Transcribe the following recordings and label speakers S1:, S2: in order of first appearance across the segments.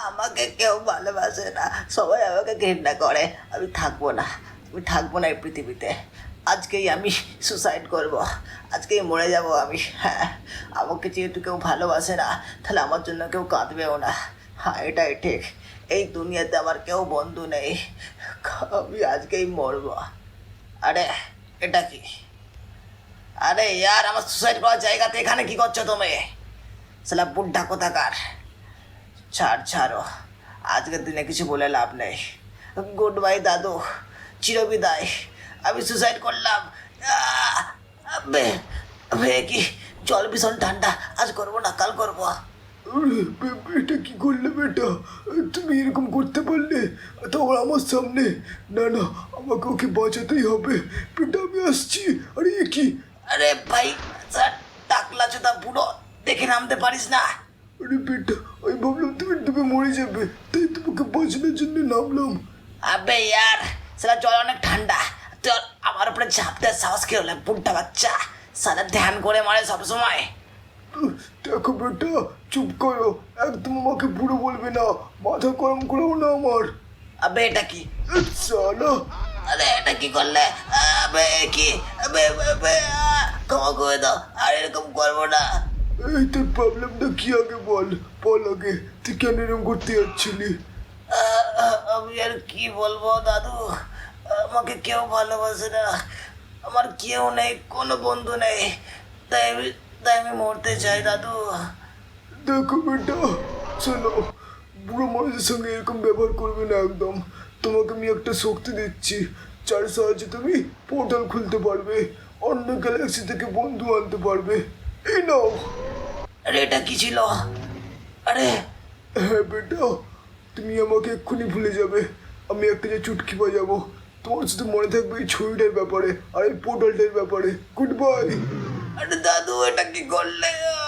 S1: আমাকে কেউ ভালোবাসে না, সবাই আমাকে ঘৃণা করে। আমি থাকবো না, আমি থাকবো না এই পৃথিবীতে। আজকেই আমি সুসাইড করব, আজকেই মরে যাব আমি। হ্যাঁ, আমাকে যেহেতু কেউ ভালোবাসে না, তাহলে আমার জন্য কেউ কাঁদবেও না। হ্যাঁ, এটাই ঠিক। এই দুনিয়াতে আমার কেউ বন্ধু নেই। আমি আজকেই মরবো। আরে, এটা কি? আরে ইয়ার, আমার সুসাইড করার জায়গাতে এখানে কি করছো তুমি? সালা বুড্ঢা কোথাকার! ছাড়ো, আজকের দিনে কিছু বলে লাভ নেই। গুড বাই দাদু, চিরবিদায়। আমি সুসাইড করলাম। আহ! আবে, আবে, কি জল ভীষণ ঠান্ডা। আজ করবো না, কাল করবো।
S2: আরে এটা কি করলে বেটা? তুমি এরকম করতে পারলে? তখন আমার সামনে? না না, আমাকে ওকে বাঁচাতেই হবে বেটা, আমি আসছি। আরে এ কি?
S1: আরে ভাই, স্যার, টাকলা চোদা বুড়ো, দেখে নামতে পারিস না?
S2: আরে বেটা, আমি ভাবলাম তুমি ডুবে মরে যাবে, তাই তোমাকে বাঁচানোর জন্য নামলাম।
S1: আবে ইয়ার, সালা জল অনেক ঠান্ডা। তোর আমার উপরে ঝাঁপ দেওয়ার সাহস কি হলে, বুড়টা বাচ্চা! সালা ধ্যান করে মারে সবসময়।
S2: দেখো বেটা, চুপ করো, একদম আমাকে বুড়ো বলবে না, মাথা গরম করো না আমার।
S1: আবে এটা কি?
S2: সালা,
S1: আরে এটা কি করলে? আবে কি? আবে আবে, আবে, ক্ষমা করে দাও, আর এরকম করবো না।
S2: এই তোর প্রবলেমটা কি আগে বল, বল আগে, তুই কেন এরকম করতে যাচ্ছিলি?
S1: আমি আর কি বলবো দাদু, আমাকে কেউ ভালোবাসে না, আমার কেউ নেই, কোনো বন্ধু নেই। তাই আমি মরতে চাই দাদু।
S2: দেখো বেটা, শোনো, বুড়ো মানুষের সঙ্গে এরকম ব্যবহার করবে না একদম। তোমাকে আমি একটা শক্তি দিচ্ছি, যার সাহায্যে তুমি পোর্টাল খুলতে পারবে, অন্য গ্যালাক্সি থেকে বন্ধু আনতে পারবে। এই নাও।
S1: আরে এটা কি ছিল? আরে
S2: হ্যাঁ বেটা, তুমি আমাকে এক্ষুনি ভুলে যাবে, আমি একটা যে চুটকি বাজাবো, তোমার শুধু মনে থাকবে এই ছবিটার ব্যাপারে আর এই পোর্টালটার ব্যাপারে। Good bye.
S1: আরে দাদু, এটা কি করলে?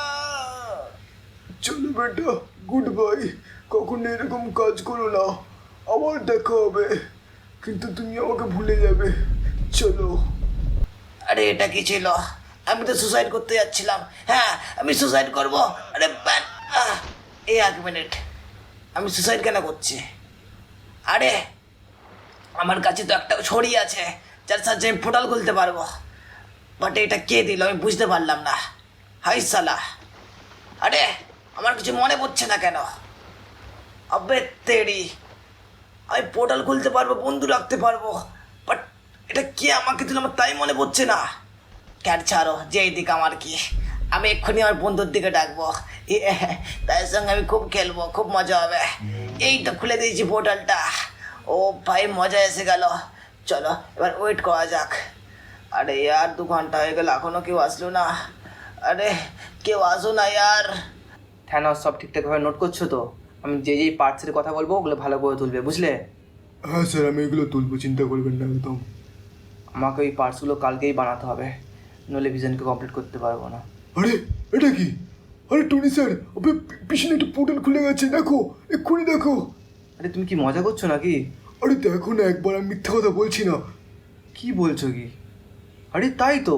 S2: চলো বেটা, গুড বাই। কখনো এরকম কাজ করো না, আবার দেখা হবে, কিন্তু তুমি আমাকে ভুলে যাবে। চলো।
S1: আরে এটা কি ছিল? আমি তো সুসাইড করতে যাচ্ছিলাম। হ্যাঁ, আমি সুসাইড করবো। আরে এই 1 মিনিট, আমি সুসাইড কেন করছি? আরে আমার কাছে তো একটা ছড়ি আছে, যার সাহায্যে আমি পোর্টাল খুলতে পারবো। বাট এটা কে দিল আমি বুঝতে পারলাম না। হাই সালা! আরে আমার কিছু মনে পড়ছে না কেন? আবে তেরি, আমি পোর্টাল খুলতে পারবো, বন্ধু রাখতে পারবো, বাট এটা কে আমাকে দিল আমার তাই মনে পড়ছে না। ক্যাট ছাড়ো, যেই দিক আমার কি, আমি এক্ষুনি আমার বন্ধুর দিকে ডাকবো। তার সঙ্গে আমি খুব খেলবো, খুব মজা হবে। এই তো খুলে দিয়েছি পোর্টালটা। ও ভাই, মজা এসে গেল। চলো এবার ওয়েট করা যাক। আরে ইয়ার, 2 ঘন্টা হয়ে গেল, এখনো কেউ আসলো না। আরে কেউ আসো না ইয়ার।
S3: থ্যানস, সব ঠিকঠাকভাবে নোট করছো তো? আমি যেই পার্টসের কথা বলবো ওগুলো ভালো করে তুলবে, বুঝলে?
S2: হ্যাঁ স্যার, আমি এগুলো তুলবো, চিন্তা করবেন না একদম।
S3: আমাকে ওই পার্টসগুলো কালকেই বানাতে হবে, নইলে ভিশনকে কমপ্লিট করতে পারবো না।
S2: আরে এটা কি? আরে টনি স্যার, ওপরে পিছনে একটা পোর্টাল খুলে গেছে, দেখো, এক্ষুনি দেখো।
S3: আরে তুমি কি মজা করছো নাকি?
S2: আরে দেখো না একবার, আমি মিথ্যা কথা বলছি না।
S3: কি বলছো কি? আরে তাই তো।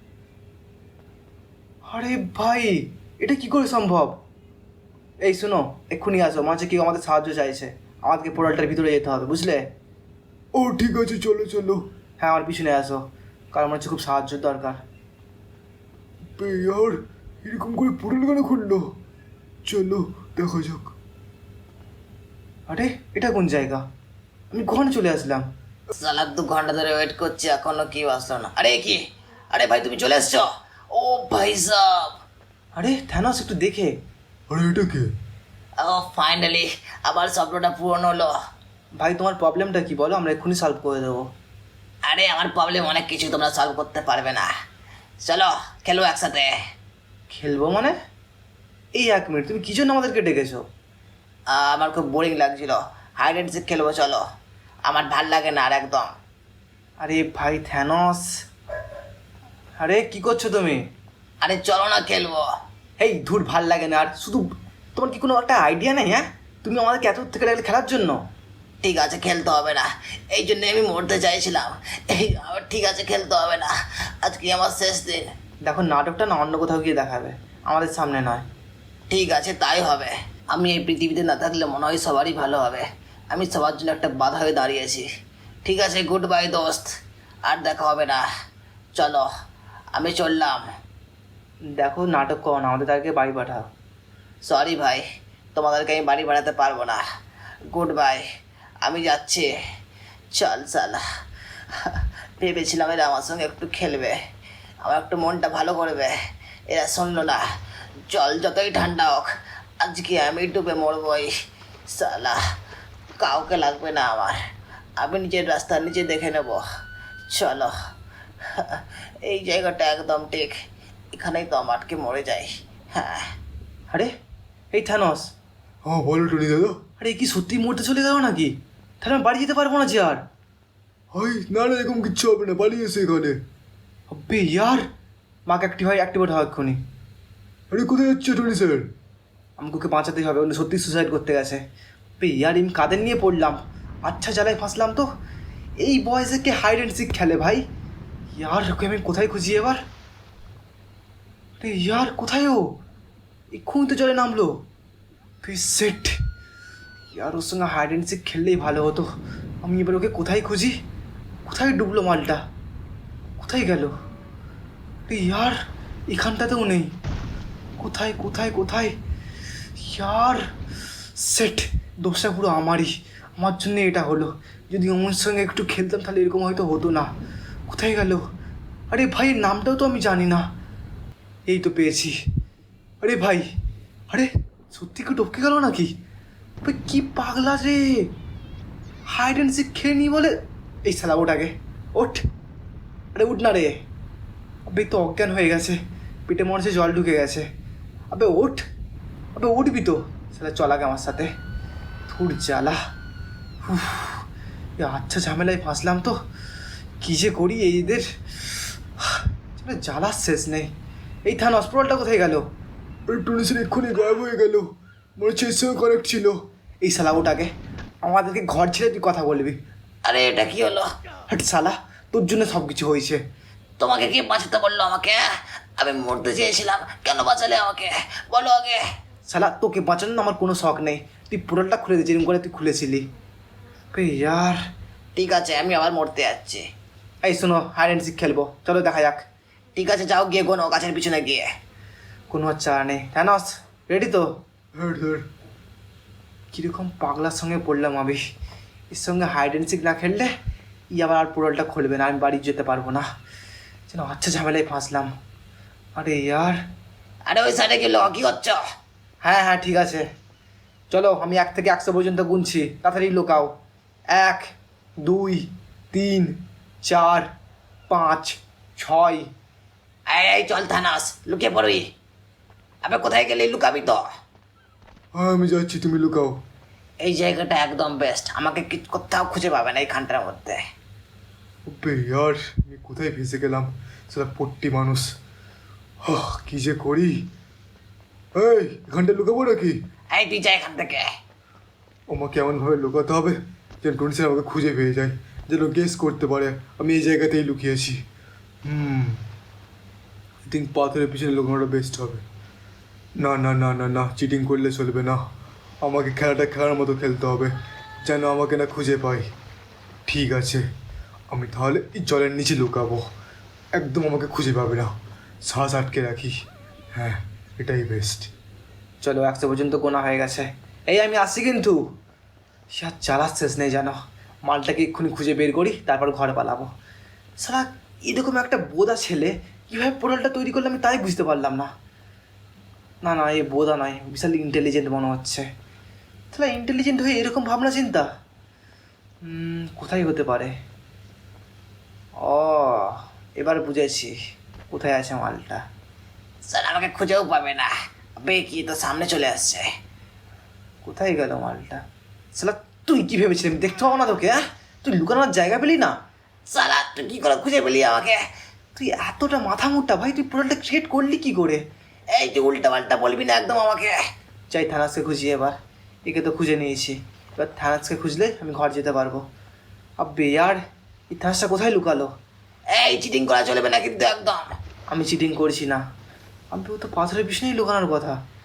S3: আরে ভাই, এটা কি করে সম্ভব? এই শোনো, এক্ষুনি আসো, মাঝে কেউ আমাদের সাহায্য চাইছে, আমাদেরকে পোর্টালটার ভিতরে যেতে হবে, বুঝলে?
S2: ও ঠিক আছে, চলো চলো।
S3: হ্যাঁ, আমার পিছনে আসো, কারণ আমার হচ্ছে খুব সাহায্য দরকার।
S2: ইয়ার, এরকম করে পোর্টাল কেন খুললো? চলো দেখা যাক।
S3: আরে এটা কোন জায়গা? আমি কখন চলে আসলাম?
S1: সালা 2 ঘন্টা ধরে ওয়েট করছি, এখনো কেউ আসলো না। আরে কি? আরে ভাই, তুমি চলে এসছো? ও ভাই সাব!
S3: আরে থ্যানস, একটু দেখে।
S2: আরে এটা কে?
S1: ও ফাইনালি, আবার স্বপ্নটা পূরণ হলো।
S3: ভাই তোমার প্রবলেমটা কি বলো, আমরা এক্ষুনি সলভ করে দেবো।
S1: আরে আমার প্রবলেম অনেক কিছু তোমরা সলভ করতে পারবে না। চলো খেলো একসাথে।
S3: খেলবো মানে? এই 1 মিনিট, তুমি কি জন্য আমাদেরকে ডেকেছো?
S1: আমার খুব বোরিং লাগছিল, হাইড অ্যান্ড সিক খেলবো, চলো। আমার ভাল লাগে না আর একদম।
S3: আরে ভাই থ্যানস, আরে কি করছো তুমি?
S1: আরে চলো না খেলবো।
S3: এই ধুর, ভাল লাগে না আর। শুধু তোমার কি কোনো একটা আইডিয়া নেই? হ্যাঁ, তুমি আমাদেরকে এত থেকে লাগলে খেলার জন্য।
S1: ঠিক আছে, খেলতে হবে না, এই জন্য আমি মরতে চাইছিলাম। আমার ঠিক আছে, খেলতে হবে না, আজকে আমার শেষ দিন।
S3: দেখো, নাটকটা না অন্য কোথাও গিয়ে দেখাবে, আমাদের সামনে নয়।
S1: ঠিক আছে, তাই হবে। আমি এই পৃথিবীতে না থাকলে মনে হয় সবারই ভালো হবে। আমি সবার জন্য একটা বাধা হয়ে দাঁড়িয়েছি। ঠিক আছে, গুড বাই দোস্ত, আর দেখা হবে না। চলো, আমি চললাম।
S3: দেখো, নাটক করো না, আমাদের তাদেরকে বাড়ি পাঠাও।
S1: সরি ভাই, তোমাদেরকে আমি বাড়ি বাড়াতে পারবো না। গুড বাই, আমি যাচ্ছি। চল সালা, ভেবেছিলাম এরা আমার সঙ্গে একটু খেলবে, আমার একটু মনটা ভালো করবে, এরা শুনলো না। জল যতই ঠান্ডা হোক, আজকে আমি ডুবে মরবই। সালা, কাউকে লাগবে না আমার, আমি নিজের রাস্তা নিজে দেখে নেব। চলো, এই জায়গাটা একদম ঠিক, এখানেই তো আমার আটকে মরে যাই। হ্যাঁ।
S3: আরে এই থানোস,
S2: হ্যাঁ বলো টনি দাদা।
S3: আরে এ কি সত্যি মরতে চলে গেল নাকি? তাহলে আমি বাড়ি যেতে পারবো না যে আর।
S2: হাই না না, এরকম কিচ্ছু হবে না, পালিয়ে এসে এখানে।
S3: আবে ইয়ার, মাকে অ্যাক্টিভেট হওয়া এক্ষুনি।
S2: আরে কোথায় যাচ্ছে টনি স্যার?
S3: আমাকে ওকে বাঁচাতেই হবে, উনি সত্যি সুসাইড করতে গেছে। আবে ইয়ার, আমি কাদের নিয়ে পড়লাম, আচ্ছা জ্বালায় ফাঁসলাম তো। এই বয়সে কে হাইড অ্যান্ড সিক খেলে ভাই? ইয়ার ওকে আমি কোথায় খুঁজি এবার? আরে ইয়ার, কোথায় ও? এক্ষুনি তো জলে নামলো। সেট, ইয়ার ওর সঙ্গে হাইড অ্যান্ড সিক খেললেই ভালো হতো। আমি এবার ওকে কোথায় খুঁজি? কোথায় ডুবলো মালটা? কোথায় গেল? আরে ইয়ার, এখানটাতেও নেই। কোথায় কোথায় কোথায়? ইয়ার সেট, দোষটা পুরো আমারই, আমার জন্য এটা হলো। যদি আমার সঙ্গে একটু খেলতাম তাহলে এরকম হয়তো হতো না। কোথায় গেল? আরে ভাই, নামটাও তো আমি জানি না। এই তো পেয়েছি। আরে ভাই, আরে সত্যি কি টপকে গেল নাকি? ভাই কি পাগলা রে, হাইড অ্যান্ড সিক খেয়ে নি বলে। এই শালা ওঠ আগে, ওঠ। আরে উঠ না রে, আবে তো অজ্ঞান হয়ে গেছে, পেটে মনে হচ্ছে জল ঢুকে গেছে। আবে ওঠ, আবে উঠবি তো। শালা চল আগে আমার সাথে। থুর জ্বালা, উফ, এ আচ্ছা ঝামেলায় ফাঁসলাম তো। কী যে করি এইদের, জ্বালার শেষ নেই। এই থান হসপিটালটা কোথায় গেল?
S2: আরে টনি স্যার এক্ষুনি গায়েব হয়ে গেল, মনে হচ্ছে এর সঙ্গে কানেক্ট ছিল।
S3: এই শালা ওটাকে, আমাদেরকে ঘর ছেড়ে তুই কথা বলবি?
S1: আরে এটা কি হলো?
S3: হাট শালা, তোর জন্য সব কিছু হয়েছে।
S1: তোমাকে কে বাঁচাতে বললো আমাকে? আমি মরতে চেয়েছিলাম, কেন বাঁচালে আমাকে বলো আগে।
S3: শালা তোকে বাঁচানোর আমার কোনো শখ নেই, তুই পোর্টালটা খুলে দে যেরকম করে তুই খুলেছিলি। বে ইয়ার,
S1: ঠিক আছে, আমি আবার মরতে যাচ্ছি।
S3: এই শোনো, হাইড অ্যান্ড সিক খেলবো, চলো দেখা যাক।
S1: ঠিক আছে, যাও গিয়ে কোনো গাছের পিছনে গিয়ে।
S3: কোনো চারা নেই। থানোস রেডি তো?
S2: হ্যাঁ স্যার।
S3: কীরকম পাগলার সঙ্গে পড়লাম আমি। এর সঙ্গে হাইড অ্যান্ড সিক না খেললে ই আবার আর পোর্টালটা খুলবে না, আমি বাড়ি যেতে পারবো না। যেন আচ্ছা ঝামেলায় ফাঁসলাম। আরে ইয়ার,
S1: আরে ওই সাইডে গেলো, কি হচ্ছে?
S3: হ্যাঁ হ্যাঁ ঠিক আছে, চলো আমি 1 থেকে 100 পর্যন্ত গুনছি, তাড়াতাড়ি লুকাও। 1, 2, 3, 4, 5, 6।
S1: এই চল থানাস, লুকিয়ে পড়বি। আবে কোথায় গেলি? লুকাবি তো।
S2: হ্যাঁ আমি যাচ্ছি, তুমি লুকাও।
S1: এই জায়গাটা একদম বেস্ট, আমাকে কোথাও খুঁজে পাবে না এইখানটার মধ্যে।
S2: ওবে ইয়ার, আমি কোথায় ফেসে গেলাম, সেটা পট্টি মানুষ। কি যে করি। এই এখানটা লুকাবো নাকি?
S1: এই তুই যা এখান থেকে।
S2: আমাকে এমনভাবে লুকাতে হবে যেন টনি স্যার আমাকে খুঁজে পেয়ে যায়, যেন গেস করতে পারে আমি এই জায়গাতেই লুকিয়েছি। আই থিঙ্ক পাথরের পিছনে লুকানোটা বেস্ট হবে। না না না না না, চিটিং করলে চলবে না, আমাকে খেলাটা খেলার মতো খেলতে হবে, যেন আমাকে না খুঁজে পাই। ঠিক আছে, আমি তাহলে এই জলের নিচে লুকাবো, একদম আমাকে খুঁজে পাবে না, শ্বাস আটকে রাখি। হ্যাঁ, এটাই বেস্ট।
S3: চলো 100 পর্যন্ত গোনা হয়ে গেছে। এই আমি আসছি কিন্তু। সে আর চালার শেষ নেই জানো, মালটাকে এক্ষুনি খুঁজে বের করি, তারপর ঘরে পালাবো। সারা এরকম একটা বোদা ছেলে কীভাবে পোর্টালটা তৈরি করলে আমি তাই বুঝতে পারলাম না। না না, এই বোদা নয়, বিশাল ইন্টেলিজেন্ট মনে হচ্ছে। তাহলে ইন্টেলিজেন্ট হয়ে এরকম ভাবনা চিন্তা কোথায় হতে পারে? ও, এবার বুঝেছি কোথায় আছে মালটা।
S1: স্যার আমাকে খুঁজেও পাবে না। আবে কি তো সামনে চলে আসছে।
S3: কোথায় গেল মালটা? সালা তুই কি ভেবেছিলি আমি দেখতে পাবো না তোকে? হ্যাঁ, তুই লুকানোর জায়গা পেলি না?
S1: সালা তুই কি করে খুঁজে পেলি আমাকে?
S3: তুই এতটা মাথা মুটটা ভাই, তুই পোর্টালটা ক্রিয়েট করলি কি করে?
S1: এই তুই উল্টা পাল্টা বলবি না একদম আমাকে।
S3: চাই থানাসকে খুঁজি এবার, একে তো খুঁজে নিয়েছি, এবার থানাসকে খুঁজলে আমি ঘর যেতে পারবো। আব্বে ইয়ার, এই থানাসটা কোথায় লুকালো?
S1: এই চিটিং করা চলবে না কিন্তু একদম।
S3: আমি চিটিং করছি না, আমি তো পাথরের পিছনেই লুকানোর কথা।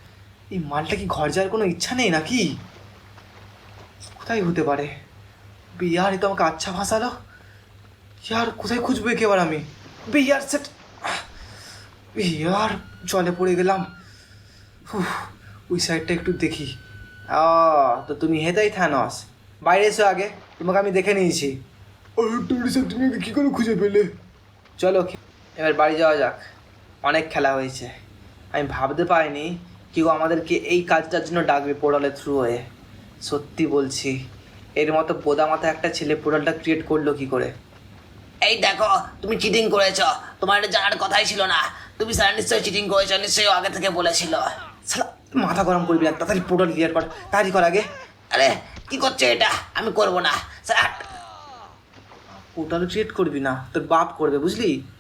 S3: এই মালটা কি ঘর যাওয়ার কোনো ইচ্ছা নেই নাকি? কোথায় হতে পারে? বিয়ার এ তো আমাকে আচ্ছা ভাসালো। ইয়ার কোথায় খুঁজবো একে এবার আমি? বিয়ার সেট, ইয়ার জলে পড়ে গেলাম। উফ, ওই সাইডটা একটু দেখি। তো তুমি হেতাই থানস, বাইরে এসো আগে, তোমাকে আমি দেখে নিয়েছি।
S2: আর টুরিস্ট তুমি ওকে কী করে খুঁজে পেলে?
S3: চলো এবার বাড়ি যাওয়া যাক, অনেক খেলা হয়েছে। আমি ভাবতে পারিনি কেউ আমাদেরকে এই কাজটার জন্য ডাকবে পোর্টালের থ্রু হয়ে। সত্যি বলছি, এর মতো বোদা মাথা একটা ছেলে পোর্টালটা ক্রিয়েট করলো কি করে?
S1: এই দেখো, তুমি চিটিং করেছো, তোমার এটা জানার কথাই ছিল না। তুমি স্যার নিশ্চয়ই চিটিং করেছো, নিশ্চয়ই ও আগে থেকে বলেছিল।
S3: শালা মাথা গরম করবি না, তাড়াতাড়ি পোর্টাল ক্লিয়ার কর, তাড়াতাড়ি কর আগে।
S1: আরে কি করছে এটা? আমি করবো না স্যার।
S3: পোর্টাল ক্রিয়েট করবি না, তোর বাপ করবে বুঝলি।